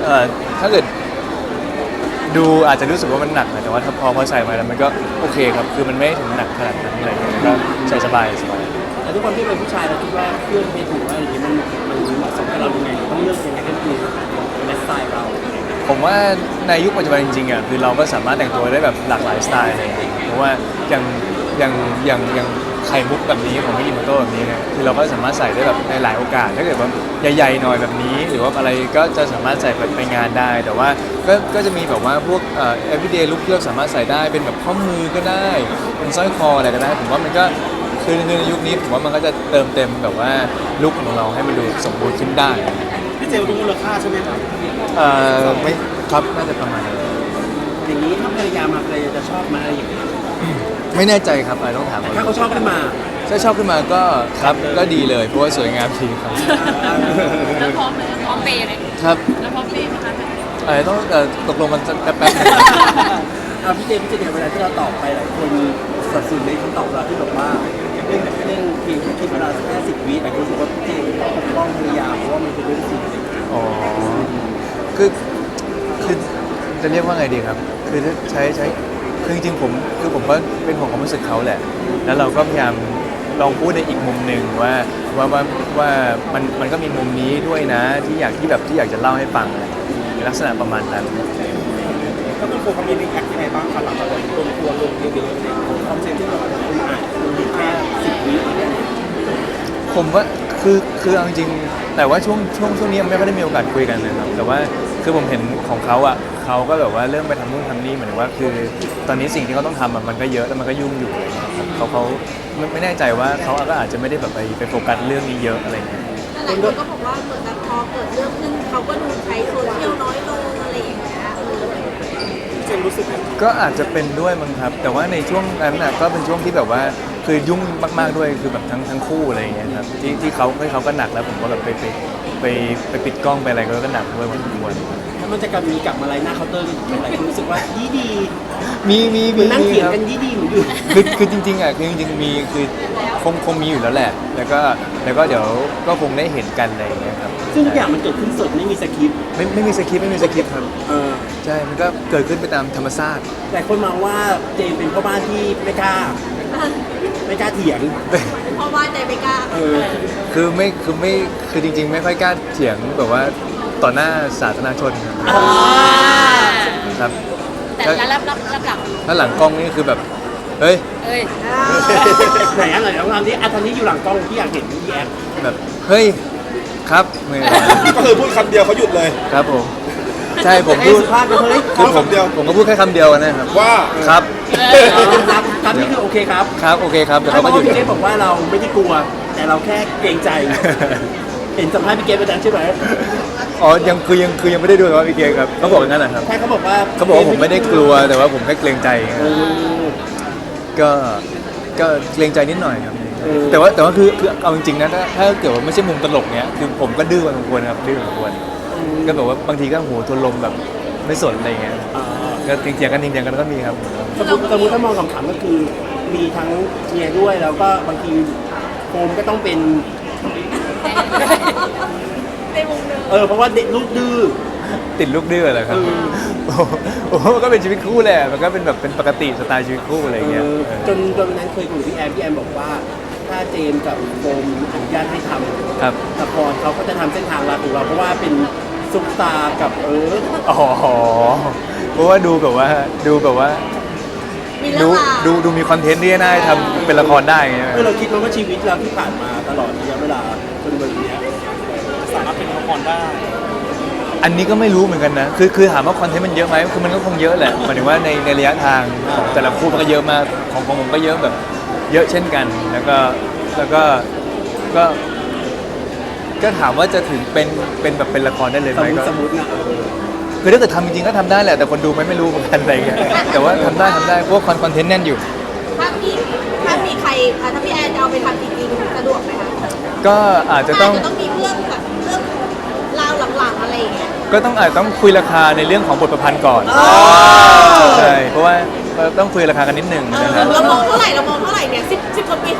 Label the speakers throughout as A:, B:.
A: ถ้าเกิดดูอาจจะรู้สึกว่ามันหนักนะแต่ว่าถ้าพอใส่มาแล้วมันก็โอเคครับคือมันไม่ถึงหนักขนาดนั้นอะไรเงี้ยก็ใส่สบาย
B: แต่ทุกคนที่เป็นผู้ชายเราคิดว่าเครื่องเพชรถูกอะไรอย่างเงี้ยมันเหมาะสมกับเรายังไงต้องเลือกยังไงก็คือในสไตล์เรา
A: ผมว่าในยุคปัจจุบันจริงๆอ่ะคือเราก็สามารถแต่งตัวได้แบบหลากหลายสไตล์อะไรอย่างเงี้ยเพราะว่าอย่างไข่มุกแบบนี้ของมิกิโมโต้แบบนี้เนี่ยคือเราก็สามารถใส่ได้แบบในหลายโอกาสถ้าเกิดว่าใหญ่ๆหน่อยแบบนี้หรือว่าอะไรก็จะสามารถใส่ไปงานได้ แต่ว่าก็จะมีแบบว่าพวกeveryday look ที่เราสามารถใส่ได้เป็นแบบข้อมือก็ได้เป็นสร้อยคออะไรก็ได้ผมว่ามันก็คือในยุคนี้ผมว่ามันก็จะเติมเต็มแบบว่าลุคของเราให้มันดูสมบูรณ์ขึ้นได้
B: พี่เจลรู้มูลค่าใช่ไหมครับ
A: ไม่ครับน่าจะประมาณนั้น
B: อย่างนี้ถ้าภรรยามาภรรยาจะชอบมาอะไรอย่างเงี้ย
A: ไม่แน่ใจครับต้องถาม
B: ถ้าเขาชอบขึ้นมา
A: ถ้าชอบขึ้นมาก็ครับก็ดีเลยเพราะว่าสวยงามดีครับ
C: แล้วพร้อมเลยพร้อมเปย์เลย
A: ครับ
C: แล้วพร้อมเปย์ไหมคะ
A: ต้องตกลงกันแป๊บๆนึง
B: พี่เจเนี่ยเวลาที่เราตอบไปหลายคนสับสนในคำตอบเราที่แบบว่าเรื่องเพียงแค่คิดเวลาแค่10 วิแต่รู้สึกว่าพี่เจปกป้องภรรยาเพราะว่ามันเป็นเรื่องจริง
A: อ๋อคือจะเรียกว่าไงดีครับคือใช้คือจริงๆผมก็เป็นห่วงความรู้สึกเขาแหละแล้วเราก็พยายามลองพูดในอีกมุมหนึ่งว่ามันก็มีมุมนี้ด้วยนะที่อยากจะเล่าให้ฟังในลักษณะประมาณนั้น
B: ก็ต้องโฟกัสมีรีแอคยังไงบ้างครับหลังจากโดนทัวร์ลงเยอะๆในคอนเซ็ปต์ที่เราคุณอ่านคุณมีแค่10 วิ
A: ผมว่าคือเอาจริงแต่ว่าช่วงนี้ไม่ค่อยได้มีโอกาสคุยกันนะครับแต่ว่าคือผมเห็นของเขาอ่ะเขาก็แบบว่าเริ่มไปทำนู่นทำนี่เหมือนว่าคือตอนนี้สิ่งที่เขาต้องทำมันก็เยอะแล้วมันก็ยุ่งอยู่เขาไม่แน่ใจว่าเขาก็อาจจะไม่ได้แบบไปโฟกัสเรื่องนี้เยอะอะไรเงี้ย
C: หลายคนก็บอกว่าเหมือนกับพอเกิดเรื่องขึ้นเขาก็ดูใช้โซเชียลน้อยลงอะไรอย่างเงี้ย
B: เจนรู้สึก
A: ก็อาจจะเป็นด้วยมั้งครับแต่ว่าในช่วงนั้นน่ะก็เป็นช่วงที่แบบว่าคือยุ่งมากๆด้วยคือแบบทั้งคู่อะไรอย่างเงี้ยครับที่เขาก็หนักแล้วผมก็แบบไปปิดกล้องไปอะไรก็หนักด้วยพอสมควร
B: ถ้ามันจะกลับมาอะไรหน้าเคาน์เตอร์เป็นอะไรรู้สึกว่าดี
A: มี
B: นั่งเถียงกันดีเหมือนอยู่
A: คือจริงๆอ่ะคือจริงๆมีคือคงมีอยู่แล้วแหละแล้วก็เดี๋ยวก็คงได้เห็นกันอะไรอย่างเงี้ยครับ
B: ซึ่งทุกอย่างมันเกิดขึ้นสดไม่มีสคริปต์
A: ไม่มีสคริปต์ครับใช่มันก็เกิดขึ้นไปตามธรรมชาติ
B: แต่คนมองว่าเจมเป็นพ่อบ้านที่ไม่กล้าเถียง
C: เพราะว่าใจไม่กล้า
A: คือจริงๆไม่ค่อยกล้าเถียงแบบว่าต่อหน้าสาธารณชนครับ
C: แต่รับหลัง
A: ถ้าหลังกล้องนี่คือแบบเฮ้ย
B: ไหนตอนนี้อยู่หลังกล้องที่อยากเห็นพี่แอฟ
A: แบบเฮ้ยครับ
B: ก็คือพูดคำเดียวเขาหยุดเลย
A: ครับผมใช่ผมพูดคือผมก็พูดแค่คำเดียวนะครับ
B: ว่า
A: ครับ
B: นี่คือโอเคครับ
A: โอเคครับแต่
B: เขา
A: ก็หยุด
B: พี่เจบอกว่าเราไม่ได้กลัวแต่เราแค่เกรงใจเห็นสัมภาษณ์พี่เกมไปแล้วใช่ไหม
A: อ๋อยังไม่ได้ดูว่าพี่เกมครับเขาบอกอย่างนั้นนะครับ
B: ใช่เขาบอกว่า
A: ผมไม่ได้กลัวแต่ว่าผมแค่เกรงใจก็เกรงใจนิดหน่อยครับแต่ว่าคือเอาจริงๆนะถ้าเกิดว่าไม่ใช่มุมตลกเนี้ยคือผมก็ดื้อพอสมควรครับดื้อพอสมควรก็แบบว่าบางทีก็หัวทวนลมแบบไม่สนอะไรเงี้ยก็เถียงกันก็มีครับ
B: สมมติถ้ามองขำๆก็คือมีทั้งเมียด้วยแล้วก็บางทีโฟมก็ต้องเป็นเพราะว่าเด็กลูกดื้อ
A: ติดลูกดื้อเหรอครับโอ้ก็เป็นชีวิตคู่แหละมันก็เป็นแบบเป็นปกติสไตล์ชีวิตคู่อะไรเงี้ย
B: จนวันนั้นเคยคุยกับพี่แอมบอกว่าถ้าเจมกับโฟมอนุญาตให้ทำละครเขาก็จะทำเส้นทางลัดของเราเพราะว่าเป็นซุปตากับ
A: เพราะว่าดูแบบว่าดูมีคอนเทนต์ที่น่าทำเป็นละครได้ไง
B: เราคิดว่าชีวิตเราที่ผ่านมาตลอดระยะเวลาจนวันนี้สามารถเป็นละครได้
A: อันนี้ก็ไม่รู้เหมือนกันนะคือถามว่าคอนเทนต์มันเยอะไหมคือมันก็คงเยอะแหละหมายถึงว่าในระยะทางของแต่ละคู่มันก็เยอะมากของผมก็เยอะแบบเยอะเช่นกันแล้วก็ถามว่าจะถึงเป็นแบบเป็นละครได้เลยไหมก็
B: สมมตินะ
A: คือถ้าเกิดทำจริงๆก็ทำได้แหละแต่คนดูไม่รู้เหมือนกันอะไรเงี้ยแต่ว่าทำได้เพราะคอนเทนต์แน่นอยู่
C: ถ้ามีใครถ้าพี่แอนจะเอาไปทำจริงๆสะดวกไหมคะ
A: ก็อาจจะต้อง
C: มีเรื่องแบบเรื่องราวหลังๆอะไรอย่างเงี้ย
A: ก็อาจต้องคุยราคาในเรื่องของบทประพันธ์ก่อนใช่เพราะว่าต้องคุยราคากันนิดหนึ่ง
C: นะครับเรามองเท่าไหร่เนี่ย10 กว่าปีของ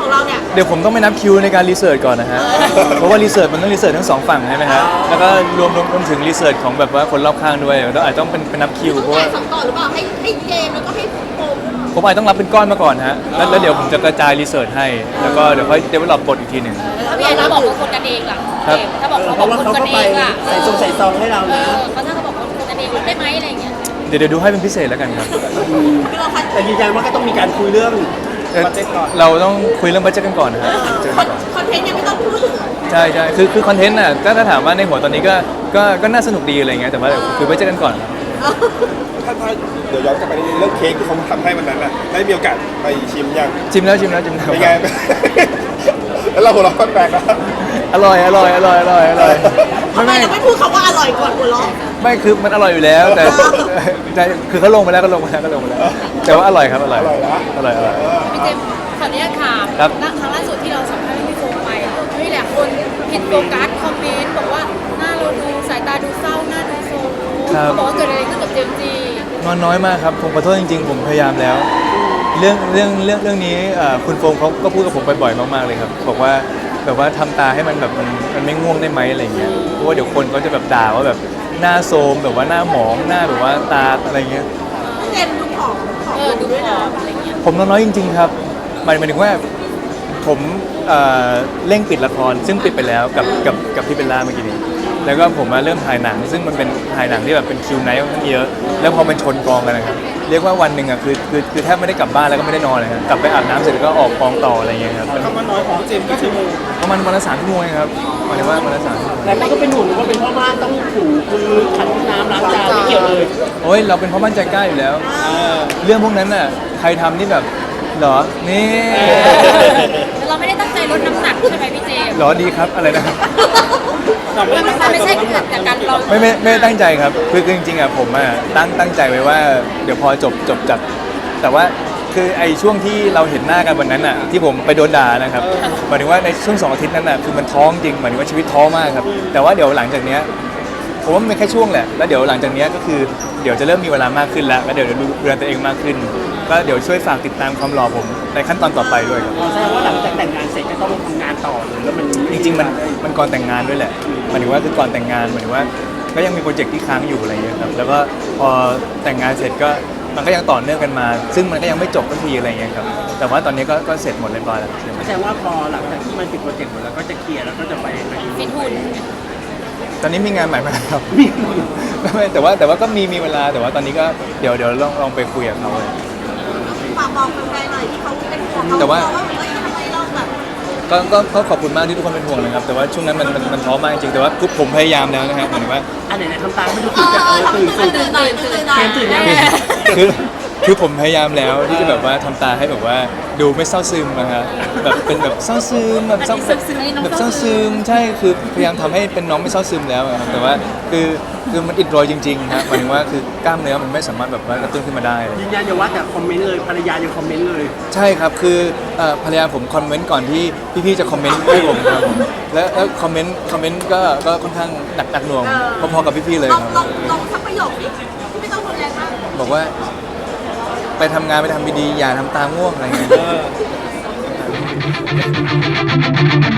C: ของเราเนี่ย
A: เดี๋ยวผมต้องไปนับคิวในการรีเสิร์ชก่อนนะฮะ เพราะว่ารีเสิร์ชมันต้องรีเสิร์ชทั้งสองฝั่งใช่ไหมฮะแล้วก็รวมถึงรีเสิร์ชของแบบว่าคนรอบข้างด้วยต้องอาจจะต้องเป็นนับคิว
C: ต้อง
A: เพราะ
C: จ่า
A: ว่าย
C: สองต่อหรือเปล่าให้เจมส์แล้วก็ให้โฟม
A: ผมอาจจะต้องรับเป็นก้อนมาก่อนฮะแล้วเดี๋ยวผมจะกระจายรีเสิร์ชให้แล้วก็เดี๋ยวค่อยเดเวลลอปบทอีกทีหนึ่ง
D: ถ้าพี่แอนถ้าบอกว่าคนกันเองล่ะ
A: ครับ
D: ถ้าบอก
B: เพราะว่าเขา
D: คน
B: ก็
D: กัน
B: ไป
D: เองล่ะ
B: ใส่ซองให้เรานะ
D: เขาถ้าเขาบอกคนกันเองได้ไหมอะไรอย่างเงี้ย
A: เดี๋ยวดูให้เป็นพิเศษแล้วกันครับ
C: คือเราคัด
B: แต่ยืนยันว่าก็ต้องมีการคุยเรื่อง
A: เราต้องคุยเรื่องบัดเจ็ตกันก่อนนะฮะเจอกันก่อน
C: คอนเทนต์ยังไม่ต้องพูดถึง
A: ใช่คือคอนเทนต์น่ะถ้าถามว่าในหัวตอนนี้ก็น่าสนุกดีอะไรเงี้ยแต่ว่าเดี๋ยวคุยบัดเจ็ตกันก่อนครับ
E: ถ้าเดี๋ยวย้อนกลับไปในเรื่องเค้กที่เขาทำให้วันนั้นน่ะได้มีโอกาสไปชิมยัง
A: ชิมแล้ว
E: เป็นไง แล้วเราหัวเราะแปลกๆนะ
A: อร่อย
C: ทำไมเราไม่พูดคำว่าอร่อยก่อนหัวเราะ
A: ไม่คือมันอร่อยอยู่แล้วแต่คือเขาลงไปแล้วแต่ว่าอร่อยครับอร่อย
D: พี่เจมส์ขออนุญาตถาม
A: ครับ
D: ครั้งล่าสุดที่เราสัมภาษณ์พี่โฟมไปนี่แหละคนผิดโฟกัสคอมเมนต์บอกว่าหน้าเราดูสายตาดูเศร้าหน้าดูโศกเขาบอกว่าเกิดอะไรขึ้นกับเจมส์จี
A: นอนน้อยมากครับผมขอโทษจริงๆผมพยายามแล้ว เรื่องนี้คุณโฟมเขาก็พูดกับผมบ่อยๆมากๆเลยครับบอกว่าแบบว่าทำตาให้มันแบบมันไม่ง่วงได้ไหมอะไรเงี้ยเพราะว่าเดี๋ยวคนเขาจะแบบด่าว่าแบบหน้าโทรมแบบว่าหน้าหมองหน้าแบบว่าตาอะไรเงี้ย
C: เจมส์ดูผอม
D: ดูผอมอะไรเงี้ย
A: ผมนอนน้อยจริงๆครับหมายถึงว่าผมเร่งปิดละครซึ่งปิดไปแล้วกับพี่เบลล่าเมื่อกี้นี้แล้วก็ผมมาเริ่มถ่ายหนัง ซึ่งมันเป็นถ่ายหนังที่แบบเป็นคิวไนท์ค่อนข้างเยอะแล้วพอมันชนกองกันนะครับเรียกว่าวันหนึ่งอ่ะคือแทบไม่ได้กลับบ้านแล้วก็ไม่ได้นอนเลยครับกลับไปอาบน้ำเสร็จแล้วก็ออกกองต่ออะไรเงี้ยครับ
B: คำว่าน้อยของเจมส์ก็ชั่วโมง
A: ประมาณวันละ3 ชั่วโมงเองครับหมายถึงว่าวันละ3 ชั่วโมง
B: แต่มันก็เป็นห่วงว่าเป็นพ่อบ้านต้องถูคือขัดห้องน้ำล้างจานไม่เกี่ยวเลย
A: โอ้ยเราเป็นพ่อบ้านใจกล้าอยู่แล้ว เรื่องพวกนั้นน่ะใครทำนี่แบบเหรอนี่
D: แต่เราไม่ได้ตั้งใจลดน้ำหนักใช่ไหมพี่เจมส์
A: เหรอดีครับอะไรนะครับ
D: มันไม่ใช่เกิดจากการเรา
A: ไม่ได้ตั้งใจครับคือจริงๆอ่ะผมอ่ะตั้งใจไว้ว่าเดี๋ยวพอจบจากแต่ว่าคือไอ้ช่วงที่เราเห็นหน้ากันวันนั้นอ่ะที่ผมไปโดนด่านะครับหมายถึงว่าในช่วง2 อาทิตย์นั้นอ่ะคือมันท้องจริงหมายถึงว่าชีวิตท้อมากครับแต่ว่าเดี๋ยวหลังจากเนี้ยผมว่ามันเป็นแค่ช่วงแหละแล้วเดี๋ยวหลังจากเนี้ยก็คือเดี๋ยวจะเริ่มมีเวลามากขึ้นแล้วเดี๋ยวดูแลตัวเองมากขึ้น ก็เดี๋ยวช่วยฝากติดตามความหล่อผมในขั้นตอนต่อไปด้วยครับ
B: แสดงว่าหลังจากแต่งงานเสร็จก็ต้องทำงานต่อเลยแล้วมัน
A: จริงๆมันก่อนแต่งงานด้วยแหละหมายถึงว่าคือก่อนแต่งงานหมายถึงว่าก็ยังมีโปรเจกต์ที่ค้างอยู่อะไรอย่างเงี้ยครับแล้วก็พอแต่งงานเสร็จก็มันก็ยังต่อเนื่องกันมา ซึ่งมันก็ยังไม่จบสักทีอะไรอย่างเงี้ยครับแต่ว่าตอนนี้ก็เสร็จหมดเรียบร้อยแล้วใช่ไหม
B: แสดงว่าพอหลังจากที่มันปิดโปรเจกต์หมดแล้วก็จะเคลียร์แล้วก็จะไป
D: ฟิตหุ่น
A: ตอนนี้มีงานใหม่มาครับ ไม่แต่ว่าก็มีเวลาแต่ว่าตอนนี้ก็เดี๋ยวลองไปคุยกับเขาเลย
C: ฝากบอกแฟนๆหน่อยที่เขาเป็นห่วงเขา
A: แต่ว่า
C: เฮ้ยทำไมเราแบบ
A: ก็ขอบคุณมากที่ทุกคนเป็นห่วงนะครับแต่ว่าช่วงนั้นมันท้อมากจริงแต่ว่าผมพยายามแล้วนะครับหมายถึงว่า
B: อันไหนทำตามไม่ดูตื่นจากตื่น
C: หน่อยตื่นหน่อย
B: เกมตื่นยัง
A: คือผมพยายามแล้วที่จะแบบว่าทำตาให้แบบว่าดูไม่เศร้าซึมนะครับแบบเป็นแบบเศร้าซึมแบบเศร้าซึมใช่คือพยายามทำให้เป็นน้องไม่เศร้าซึมแล้วอะครับแต่ว่าคือมันอิดโรยจริงๆครับหมายถึงว่าคือกล้ามเนื้อมันไม่สามารถแบบว่ากระตุ้นขึ้นมาได้
B: ยืนยันอย่าว่าแต่คอมเมนต์เลยภรรยายังคอมเมนต์เลย
A: ใช่ครับคือภรรยาผมคอมเมนต์ก่อนที่พี่ๆจะคอมเมนต์ให้ผมครับผมแล้วคอมเมนต์ก็ค่อนข้างหนักหน่วงพอๆกับพี่ๆเลย
C: ล
A: ค
C: อง
A: รับ
C: ลองสักประโยคนี้ไม่ต้องรุนแรงมาก
A: บอกว่าไปทำงานไปทำดีๆอย่าทำตาง่วงอะไรเงี้ย